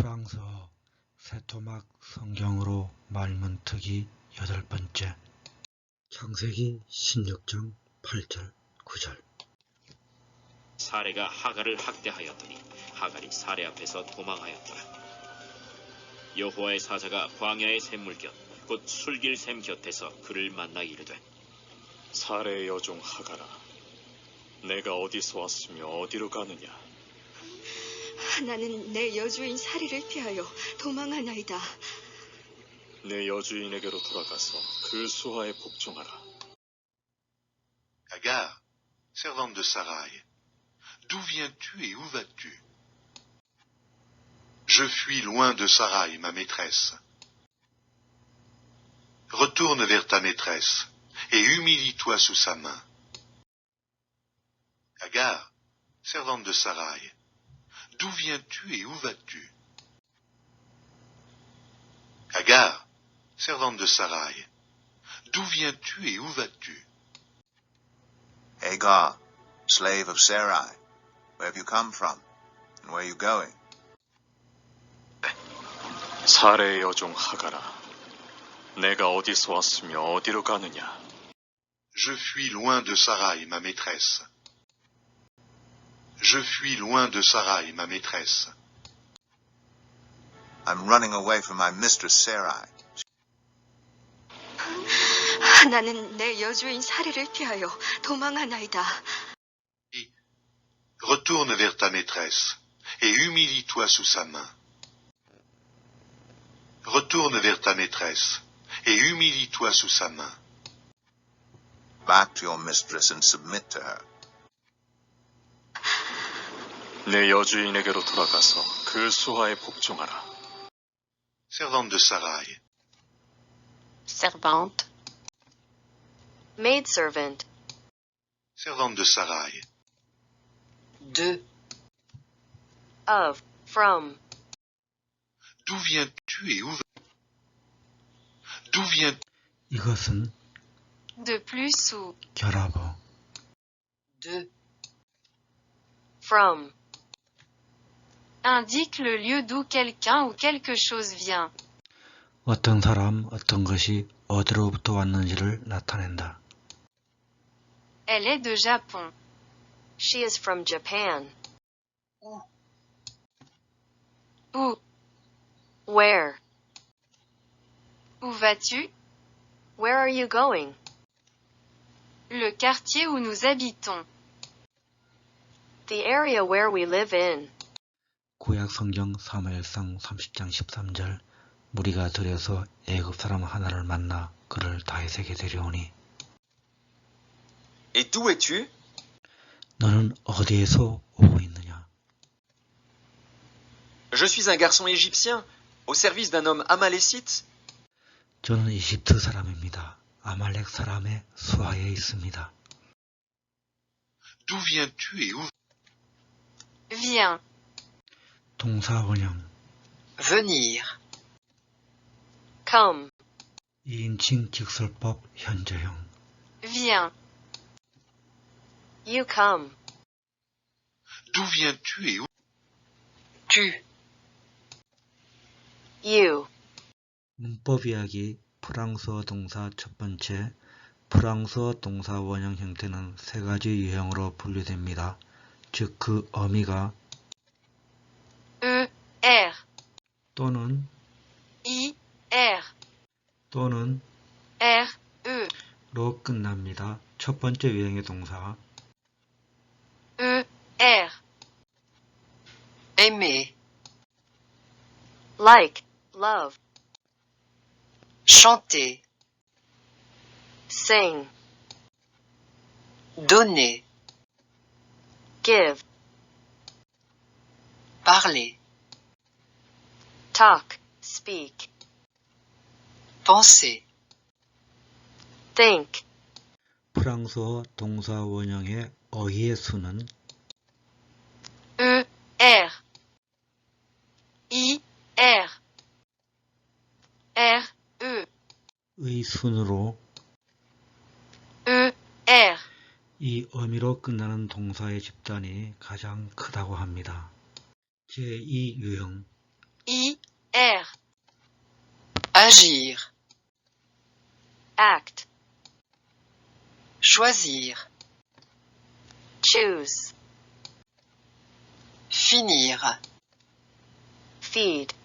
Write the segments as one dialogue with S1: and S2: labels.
S1: 프랑스어 세토막 성경으로 말문트기 8번째. 창세기 16장 8절 9절.
S2: 사레가 하갈을 학대하였더니 하갈이 사레 앞에서 도망하였더라. 여호와의 사자가 광야의 샘물 곁 곧 술길 샘 곁에서 그를 만나 이르되,
S3: 사레의 여종 하갈아, 내가 어디서 왔으며 어디로 가느냐?
S4: 나는 내 여주인 사리를 피하여 도망하나이다.
S3: 내 여주인에게로 돌아가서 그 수하에 복종하라.
S5: Agar, servante de Sarai, d'où viens-tu et où vas-tu? Je fuis loin de Sarai, ma maîtresse. Retourne vers ta maîtresse et humilie-toi sous sa main. Agar, servante de Sarai, d'où viens-tu et où vas-tu? Agar, servante de Sarai, d'où viens-tu et où vas-tu?
S6: Hagar, slave of Sarai, where have you come from, and where are you going?
S3: 사레의 여종 하갈아, 내가 어디서 왔으며 어디로 가느냐?
S5: Je fuis loin de Sarai, ma maîtresse. Je fuis loin de Sarai, ma maîtresse.
S6: I'm running away from my mistress Sarai.
S4: 나는 내 여주인 사리를 피하여 도망하나이다.
S5: Retourne vers ta maîtresse et humilie-toi sous sa main. Retourne vers ta maîtresse et humilie-toi sous sa main.
S6: Back to your mistress and submit to her.
S3: 내 여주인에게로 돌아가서 그 수하에 복종하라.
S5: Servante de Sarai,
S7: Servante. Maidservant.
S5: servante de Sarai,
S4: De,
S7: Of. From.
S5: d'où viens-tu et où vas-tu? D'où viens
S1: 이것은
S7: De plus ou.
S1: 결합어.
S4: de,
S7: From. Indique le lieu d'où quelqu'un ou quelque chose vient.
S1: 어떤 사람, 어떤 것이 어디로부터 왔는지를 나타낸다.
S7: Elle est de Japon.
S4: She is from Japan.
S7: Où.
S4: Where?
S7: Où vas-tu?
S4: Where are you going?
S7: Le quartier où nous habitons.
S4: The area where we live in.
S1: 구약 성경 사무엘상 30장 13절. 무리가 들여서 애굽 사람 하나를 만나 그를 다윗에게 데려오니.
S8: Et d'où es-tu?
S1: 너는 어디에서 오고 있느냐?
S8: Je suis un garçon égyptien, au service d'un homme amalécite.
S1: 저는 이집트 사람입니다. 아말렉 사람의 수하에 있습니다.
S5: D'où viens-tu et où?
S7: Viens.
S1: 동사 원형.
S4: Venir. Come.
S1: 2인칭 직설법 현재형.
S7: Viens.
S4: You come.
S5: D'où viens-tu et où?
S4: Tu. You.
S1: 문법 이야기. 프랑스어 동사 첫 번째. 프랑스어 동사 원형 형태는 세 가지 유형으로 분류됩니다. 즉 그 어미가
S7: E-R.
S1: 또는
S7: I-R.
S1: 또는
S7: R-E.
S1: 로 끝납니다. 첫 번째 유형의 동사
S7: E-R.
S4: Aimer. Like. Love. Chanter. Sing. Donner. Give. Parler. Talk. Speak. Penser. Think.
S1: 프랑스어 동사 원형의 어휘의 수는
S7: E-R. I-R. R-E.
S1: 의 순으로
S7: E-R.
S1: 이 어미로 끝나는 동사의 집단이 가장 크다고 합니다. 제2유형
S7: I-R.
S9: Agir.
S4: Act.
S9: Choisir.
S4: Choose.
S9: Finir.
S4: Feed.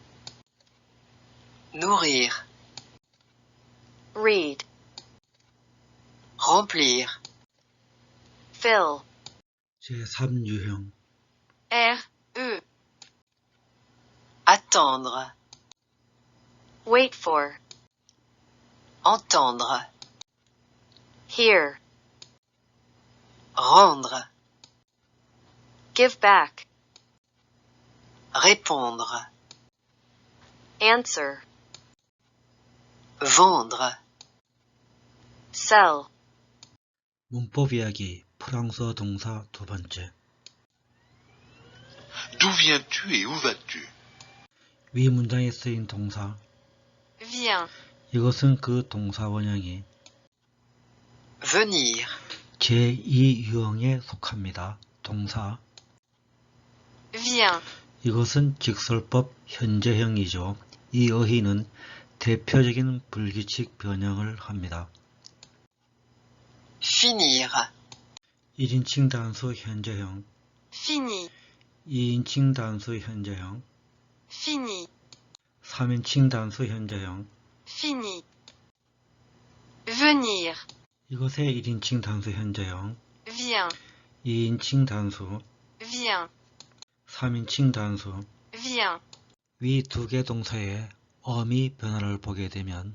S9: Nourrir.
S4: Read.
S9: Remplir.
S4: Fill.
S1: 제3유형
S7: R-E.
S9: Attendre.
S4: Wait for.
S9: Entendre.
S4: Hear.
S9: Rendre.
S4: Give back.
S9: Répondre.
S4: Answer.
S9: Vendre.
S4: Sell.
S1: 문법 이야기 프랑스어 동사 두 번째
S5: D'où viens-tu et où vas-tu?
S1: 위 문장에 쓰인 동사
S7: Viens.
S1: 이것은 그 동사 원형이
S9: Venir.
S1: 제2유형에 속합니다. 동사
S7: Viens.
S1: 이것은 직설법 현재형이죠. 이 어휘는 대표적인 불규칙 변형을 합니다.
S9: Finir.
S1: 1인칭 단수 현재형,
S7: Fini.
S1: 2인칭 단수 현재형,
S7: Fini.
S1: 3인칭 단수 현재형.
S7: Fini. Venir.
S1: 이것의 1인칭 단수 현재형,
S7: Viens.
S1: 2인칭 단수,
S7: Viens.
S1: 3인칭 단수.
S7: Viens.
S1: 위 두 개 동사의 어미 변화를 보게 되면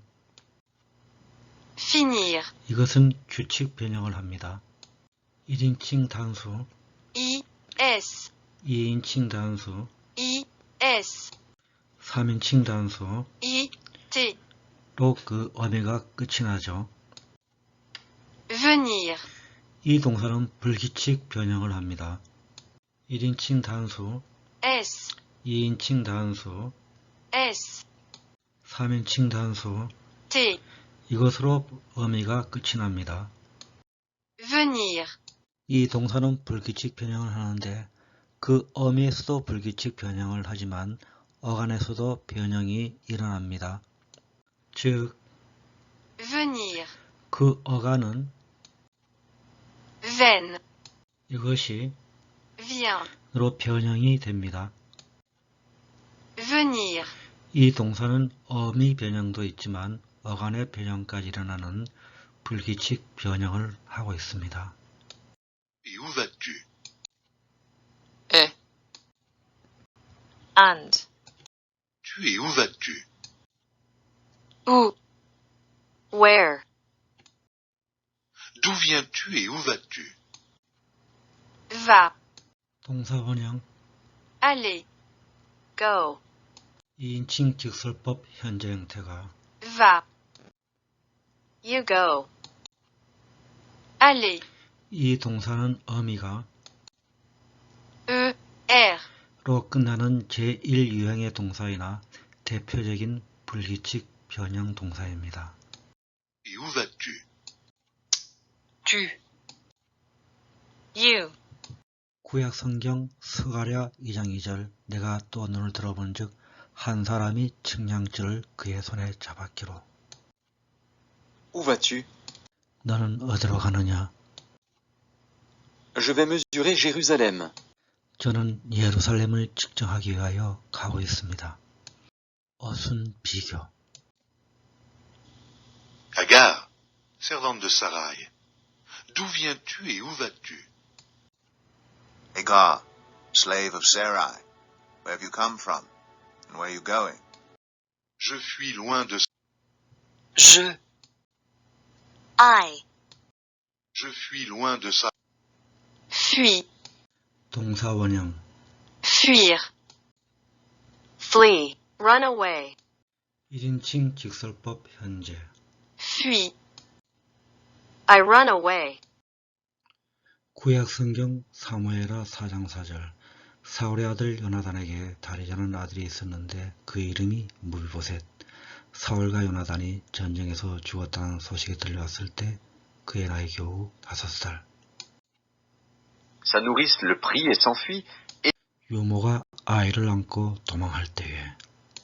S7: Finir.
S1: 이것은 규칙 변형을 합니다. 1인칭 단수,
S7: I-S.
S1: 2인칭 단수,
S7: I-S.
S1: 3인칭 단수,
S7: I-T.
S1: 로 그 어미가 끝이 나죠.
S7: Venir.
S1: 이 동사는 불규칙 변형을 합니다. 1인칭 단수,
S7: S.
S1: 2인칭 단수,
S7: S.
S1: 3인칭 단수,
S7: T.
S1: 이것으로 어미가 끝이 납니다.
S7: Venir.
S1: 이 동사는 불규칙 변형을 하는데 그 어미에서도 불규칙 변형을 하지만 어간에서도 변형이 일어납니다. 즉,
S7: Venir.
S1: 그 어간은
S7: Veine.
S1: 이것이
S7: Viens.
S1: 으로 변형이 됩니다.
S7: Venir.
S1: 이 동사는 어미 변형도 있지만 어간의 변형까지 일어나는 불규칙 변형을 하고 있습니다.
S5: Et où vas-tu?
S9: Et.
S4: And.
S5: Tu et où vas-tu?
S7: Où.
S4: Where.
S5: D'où viens-tu et où vas-tu?
S7: Va.
S1: 동사 원형
S7: Aller.
S4: Go.
S1: 2인칭 직설법 현재 형태가
S7: Va.
S4: You go.
S7: Aller.
S1: 이 동사는 어미가
S7: E-R.
S1: 로 끝나는 제1유형의 동사이나 대표적인 불규칙 변형 동사입니다.
S5: Et où vas-tu?
S9: Tu.
S7: You.
S1: 구약 성경 스가랴 2장 2절 내가 또 눈을 들어본 즉 한 사람이 측량줄을 그의 손에 잡았기로
S8: Où vas-tu?
S1: 너는 어디로 가느냐?
S8: Je vais mesurer Jérusalem.
S1: 저는 예루살렘을 측정하기 위하여 가고 있습니다. 어순 비교
S5: Agar, servante de Sarai. D'où viens-tu et où vas-tu?
S6: Hagar, slave of Sarai, where have you come from, and where are you going?
S5: Je fuis loin de
S9: Je.
S4: I.
S5: Je fuis loin de Sarai.
S7: Fuis.
S1: 동사 원형
S7: Fuir.
S4: Flee. Run away.
S1: 1인칭 직설법 현재
S7: Fuis.
S4: I run away.
S1: 구약 성경 사무엘하 4장 4절 사울의 아들 요나단에게 다리자는 아들이 있었는데 그 이름이 무비보셋. 사울과 요나단이 전쟁에서 죽었다는 소식이 들려왔을 때 그의 나이 겨우 5살.
S10: Sa nourrice le prit et s'enfuit.
S1: 유모가 아이를 안고 도망할 때에.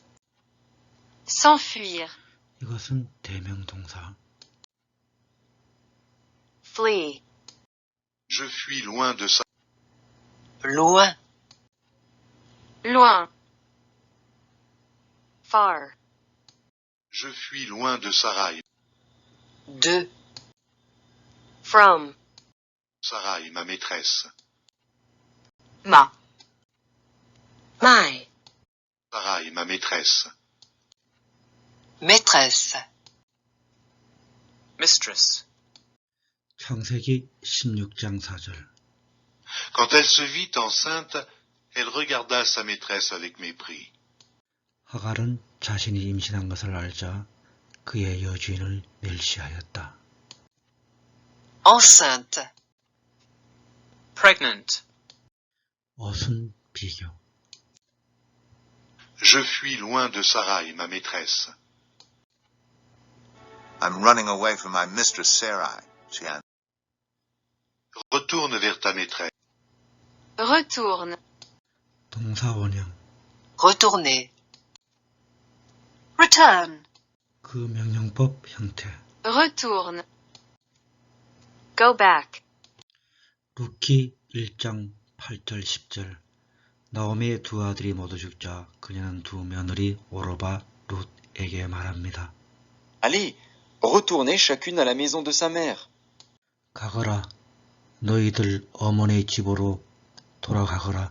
S7: s'enfuir,
S1: 이것은 대명동사.
S4: flee,
S5: Je fuis loin de ça.
S9: Loin.
S7: loin,
S4: far,
S5: Je fuis loin de Sarai.
S9: De.
S4: from,
S5: Sarai, ma maîtresse.
S9: Ma.
S4: my,
S5: Sarai, ma maîtresse.
S9: Maîtresse.
S8: Mistress.
S1: 창세기 16장 4절.
S5: Quand elle se vit enceinte, elle regarda sa maîtresse avec mépris.
S1: 하갈은 자신이 임신한 것을 알자 그의 여주인을 멸시하였다.
S9: Enceinte.
S8: Pregnant.
S1: 어순 비교.
S5: Je fuis loin de Sarai, ma maîtresse.
S6: I'm running away from my mistress Sarai, she answered.
S5: Retourne vers ta maîtresse.
S7: retourne,
S1: 동사 원형.
S9: Retourner.
S7: return,
S1: 그 명령법 형태.
S7: retourne,
S4: go back,
S1: 루키 1장 8절 10절. 나오미의 두 아들이 모두 죽자 그녀는 두 며느리 오로바 룻에게 말합니다.
S10: Allez, retournez chacune à la maison de sa mère.
S1: 가거라. 너희들 어머니의 집으로 돌아가거라.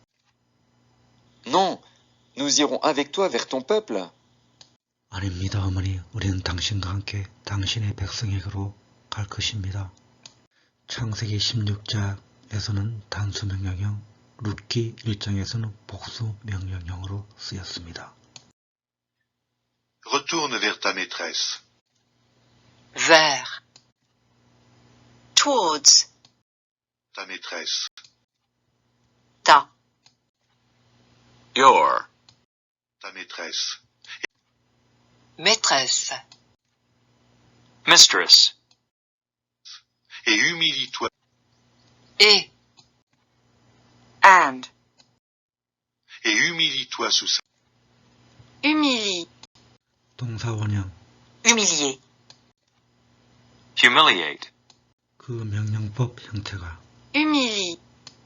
S10: Non, nous irons avec toi vers ton peuple.
S1: 아닙니다, 어머니. 우리는 당신과 함께 당신의 백성에게로 갈 것입니다. 창세기 16장에서는 단수 명령형, 룻기 1장에서는 복수 명령형으로 쓰였습니다.
S5: Retourne vers ta maîtresse.
S9: Vers.
S7: towards,
S5: Ta maîtresse.
S9: Ta.
S3: Your.
S5: Ta maîtresse.
S9: Maîtresse.
S8: Mistress.
S5: Et humilie-toi.
S9: Et.
S7: and,
S5: Et humilie-toi sous sa.
S7: humilie,
S1: 동사 원형.
S9: Humilier.
S8: Humiliate.
S1: 그 명령법 형태가.
S7: humilie,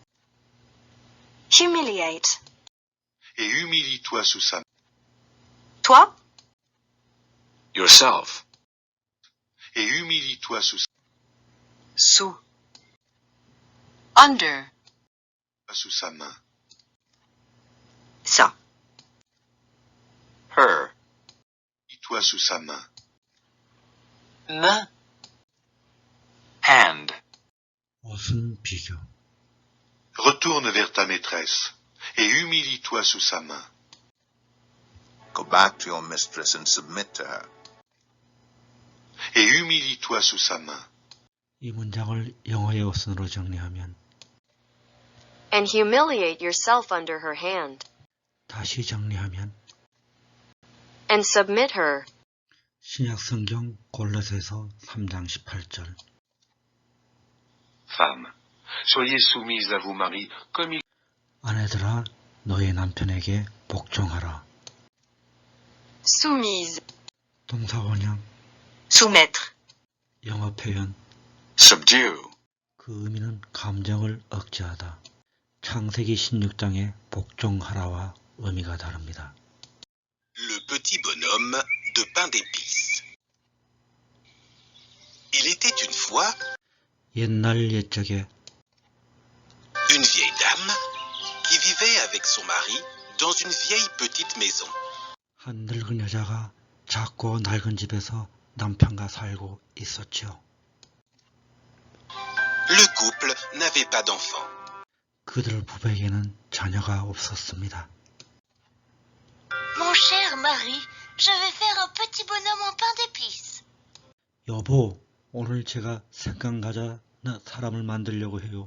S7: humiliate,
S5: Et humilie-toi sous sa.
S7: toi,
S3: Yourself.
S5: Et humilie-toi sous sa.
S9: Sous.
S7: under,
S5: Sous sa main.
S7: ça,
S8: Her.
S5: Humilie-toi sous sa main.
S9: Main.
S8: Hand.
S1: 어순 비교.
S5: Retourne vers ta maîtresse. Et humilie-toi sous sa main.
S6: Go back to your mistress and submit to her.
S5: Et humilie-toi sous sa main.
S1: 이 문장을 영어의 어순으로 정리하면
S4: and humiliate yourself under her hand,
S1: 다시 정리하면
S4: and submit her.
S1: 신약 성경 골로새서 3장 18절.
S11: Femmes, soyez soumises à vos maris comme il
S1: 아내들아 너의 남편에게 복종하라.
S7: soumise,
S1: 동사 원형.
S9: Soumettre.
S1: 영어 표현.
S3: Subdue.
S1: 그 의미는 감정을 억제하다. 창세기 16장의 복종하라와 의미가 다릅니다.
S12: Le petit bonhomme de pain d'épices. Il était une fois
S1: 옛날 옛적에
S12: une vieille dame qui vivait avec son mari dans une vieille petite maison.
S1: 한 늙은 여자가 작고 낡은 집에서 남편과 살고 있었죠.
S12: Le couple n'avait pas d'enfant.
S1: 그들 부부에게는 자녀가 없었습니다.
S13: Mon cher mari, je vais faire un petit bonhomme en pain d'épices.
S1: 여보, 오늘 제가 생강과자 사람을 만들려고 해요.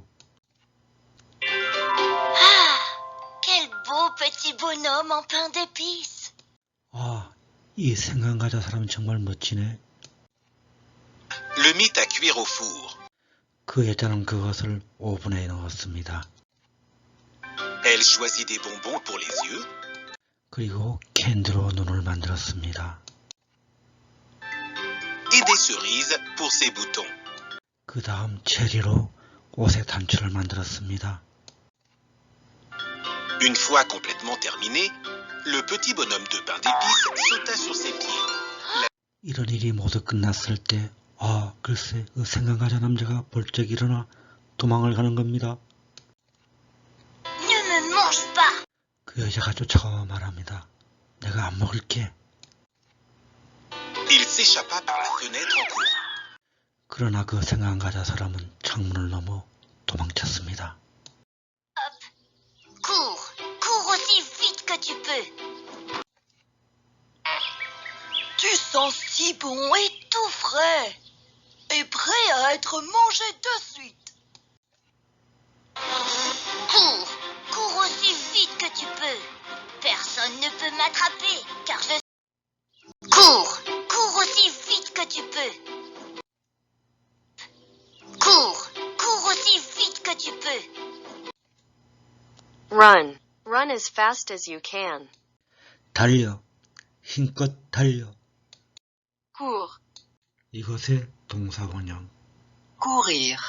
S13: Ah, quel beau petit bonhomme en pain d'épices.
S1: 아, 이 생강과자 사람은 정말 멋지네.
S12: Le mit à cuire au four.
S1: 그 여자는 그것을 오븐에 넣었습니다.
S12: Elle choisit des bonbons pour les yeux.
S1: 그리고 캔디로 눈을 만들었습니다.
S12: Et des cerises pour ses boutons.
S1: 그 다음 체리로 옷의 단추를 만들었습니다.
S12: Une fois complètement terminé, le petit bonhomme de pain d'épices sauta sur ses pieds.
S1: 이런 일이 모두 끝났을 때 글쎄 그 생강과자 남자가 벌쩍 일어나 도망을 가는 겁니다.
S13: Ne me mange pas.
S1: 그 여자가 쫓아와 말합니다. 내가 안 먹을게.
S12: Il s'échappa par la fenêtre en courant.
S1: 그러나 그 생강과자 사람은 창문을 넘어 도망쳤습니다.
S13: Cours. Cours aussi vite que tu peux.
S14: Tu sens si bon et tout frais. Et prêt à être mangé de suite.
S13: Cours. Cours aussi vite que tu peux. Personne ne peut m'attraper, car je... Cours. Cours aussi vite que tu peux. Cours. Cours aussi vite que tu peux.
S4: Run. Run as fast as you can.
S1: 달려. 힘껏 달려.
S7: Cours.
S1: 이것의 동사 원형.
S9: courir,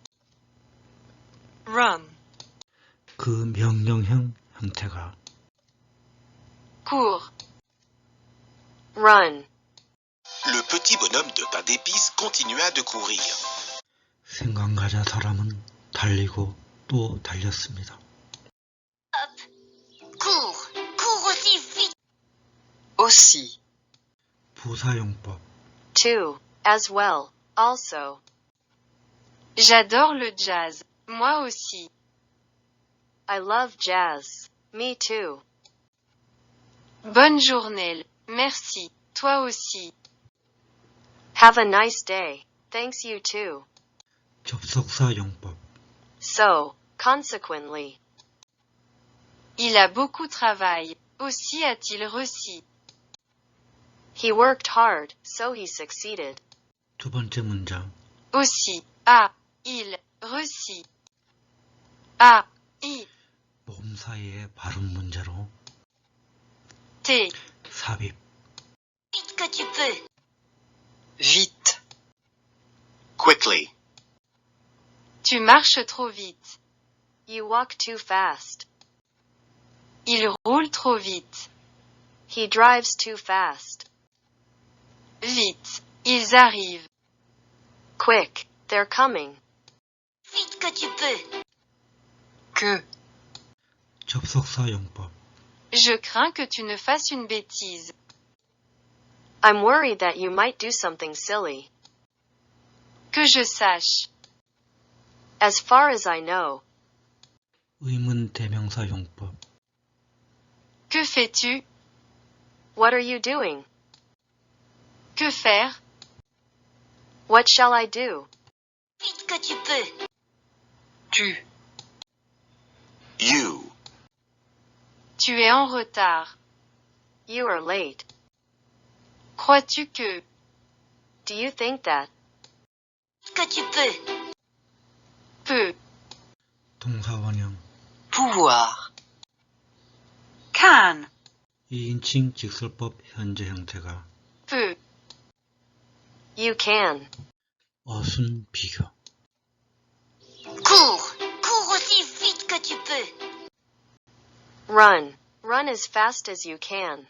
S7: Run.
S1: 그 명령형 형태가
S7: Cours.
S4: Run.
S12: Le petit bonhomme de pain d'épices continua de courir.
S1: 생강과자 사람은 달리고 또 달렸습니다.
S13: Cours. Cours aussi vite.
S9: aussi,
S1: 부사용법.
S4: Too. As well. Also.
S7: J'adore le jazz. Moi aussi.
S4: I love jazz. Me too.
S7: Bonne journée. Merci. Toi aussi.
S4: Have a nice day. Thanks you too.
S1: 접속사 용법.
S4: So. Consequently.
S7: Il a beaucoup travaillé. Aussi a-t-il réussi.
S4: He worked hard, so he succeeded.
S1: 두 번째 문장.
S7: Aussi. A-il réussi. A-I.
S1: 모음 사이의 발음 문제로
S7: T.
S1: 삽입.
S13: Vite que tu peux.
S9: vite,
S12: Quickly.
S7: Tu marches trop vite.
S4: You walk too fast.
S7: Il roule trop vite.
S4: He drives too fast.
S7: Vite. Ils arrivent.
S4: Quick. They're coming.
S13: Vite que tu peux.
S9: que,
S1: 접속사 용법.
S7: Je crains que tu ne fasses une bêtise.
S4: I'm worried that you might do something silly.
S7: Que je sache.
S4: As far as I know.
S1: 의문 대명사 용법.
S7: Que fais-tu?
S4: What are you doing?
S7: Que faire?
S4: What shall I do?
S13: Vite que tu peux.
S9: tu,
S12: You.
S7: Tu es en retard.
S4: You are late.
S7: Crois-tu que?
S4: Do you think that?
S13: Vite que tu peux.
S7: Peu.
S1: 동사 원형.
S9: pouvoir,
S7: Can.
S1: 2인칭 직설법 현재 형태가
S7: Peu.
S4: You can.
S1: 어순 비교.
S13: Cours. Cours aussi vite que tu peux.
S4: Run. Run as fast as you can.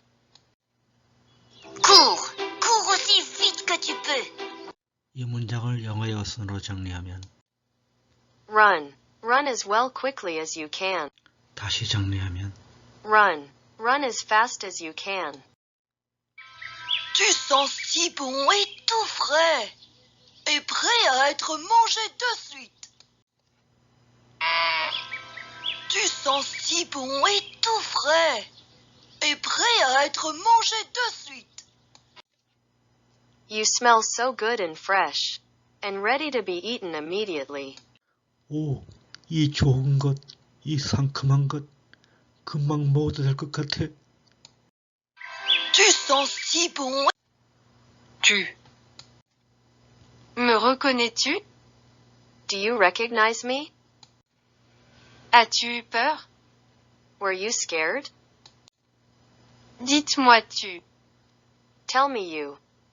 S13: Cours. Cours aussi vite que tu peux.
S1: 이 문장을 영어의 어순으로 정리하면
S4: Run. Run as well quickly as you can.
S1: 다시 정리하면
S4: Run. Run as fast as you can.
S14: Tu sens si bon et tout frais. Et prêt à être mangé de suite. Tu sens si bon et tout frais. Et prêt à être mangé de suite.
S4: You smell so good and fresh. And ready to be eaten immediately.
S1: 오, 이 좋은 것, 이 상큼한 것, 금방 먹어도 될 것 같아.
S14: Tu sens si bon.
S9: tu,
S7: Me reconnais-tu?
S4: Do you recognize me?
S7: As-tu eu peur?
S4: Were you scared?
S7: Dites-moi tu.
S4: Tell me you.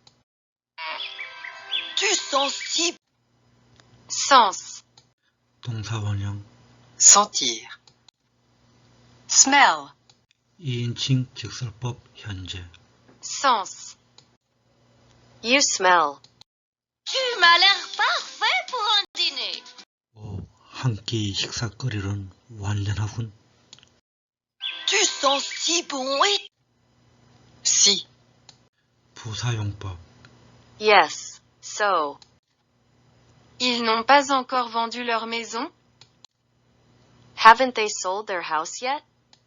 S14: Tu sens si
S7: Sens.
S1: 동사원형
S9: sentir, smell,
S1: 2인칭 직설법 현재
S7: Sens.
S4: You smell.
S13: Tu m'as l'air parfait pour un dîner.
S1: 오, 한 끼 식사거리는 완전하군.
S14: tu sens si bon et
S9: si,
S1: 부사용법
S4: Yes. So.
S7: Ils n'ont pas encore vendu leur maison?
S4: Haven't they sold their house yet?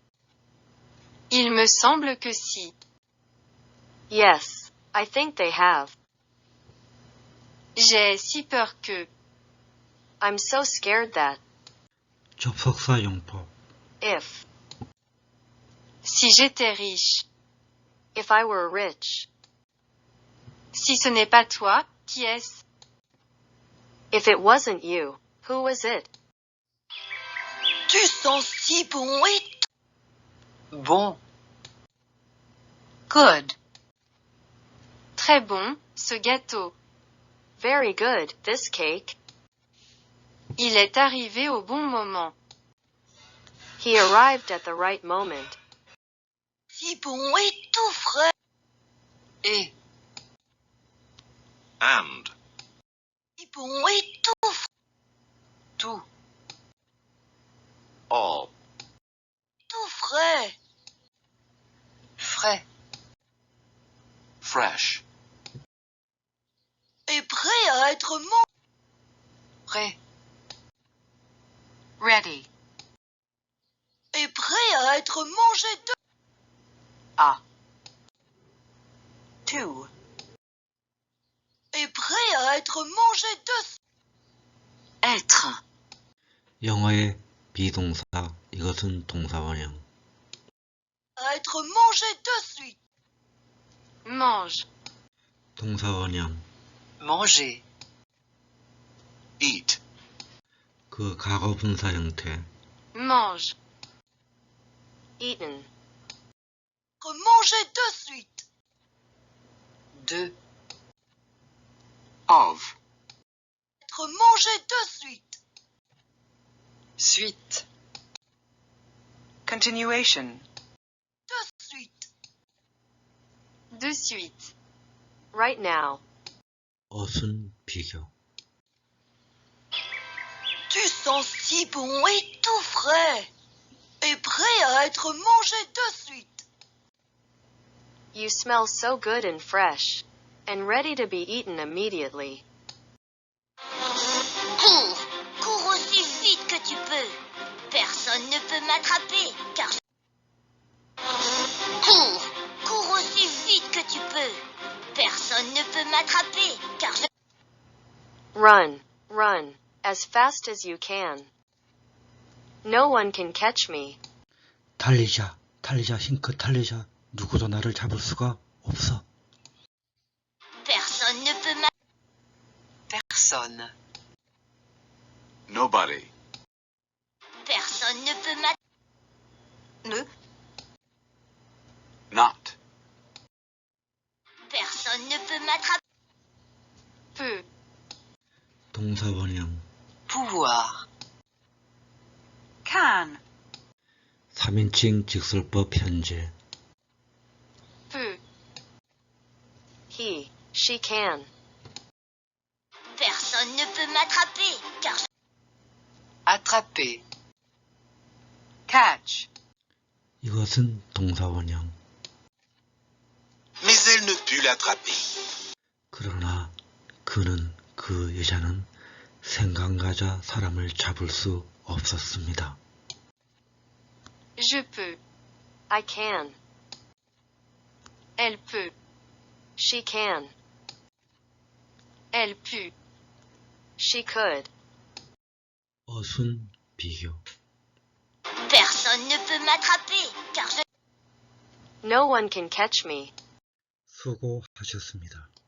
S7: Il me semble que si.
S4: Yes. I think they have.
S7: J'ai si peur que.
S4: I'm so scared that.
S1: 접속사용법
S4: If.
S7: Si j'étais riche.
S4: If I were rich.
S7: Si ce n'est pas toi, qui est-ce?
S4: If it wasn't you, who was it?
S14: tu sens si bon et
S9: bon, good,
S7: Très bon, ce gâteau.
S4: Very good, this cake.
S7: Il est arrivé au bon moment.
S4: He arrived at the right moment.
S14: si bon et tout frais.
S9: et,
S5: And.
S14: Si bon et tout frais.
S9: tout,
S5: All.
S14: Tout frais.
S9: frais,
S11: Fresh.
S14: Et prêt à être mangé.
S9: prêt, ready,
S14: Et prêt à être mangé de.
S9: à, to,
S14: Et prêt à être mangé de.
S9: être,
S1: 영어의 비동사 이것은 동사원형
S14: À être mangé de suite.
S7: Mange.
S1: 동사원형
S9: manger,
S5: Eat.
S1: 그 과거분사 형태
S7: Mange.
S4: Eaten.
S14: Être mangé de suite.
S9: de,
S11: Of.
S14: Être mangé de suite.
S9: suite, continuation,
S14: De suite.
S7: De suite.
S4: Right now.
S1: 어순 비교
S14: Tu sens si bon et tout frais. Et prêt à être mangé de suite.
S4: You smell so good and fresh. And ready to be eaten immediately.
S13: Cours, cours aussi vite que tu peux. Personne ne peut m'attraper, car je... Cours, cours aussi vite que tu peux. Personne ne peut m'attraper, car je...
S4: Run, run, as fast as you can. No one can catch me.
S1: 달리자 달리자 힘껏 달리자 누구도 나를 잡을 수가 없어
S13: Personne ne peut m'attraper.
S9: personne,
S5: Nobody.
S13: Personne ne peut m'attraper.
S9: ne,
S11: Not.
S13: Personne ne peut m'attraper.
S7: Peu.
S1: 동사원형
S9: pouvoir, can,
S1: 3인칭 직설법 현재
S7: Peu.
S4: He, she can.
S13: Personne ne peut m'attraper, car je...
S9: attraper, catch,
S1: 이것은 동사원형
S12: Mais elle ne put l'attraper.
S1: 그러나 그는 그 여자는 생강가자 사람을 잡을 수 없었습니다.
S7: Je peux.
S4: I can.
S7: Elle peut.
S4: She can.
S7: Elle put.
S4: She could.
S1: 어순 비교
S13: Personne ne peut m'attraper, car je...
S4: No one can catch me.
S1: 수고하셨습니다.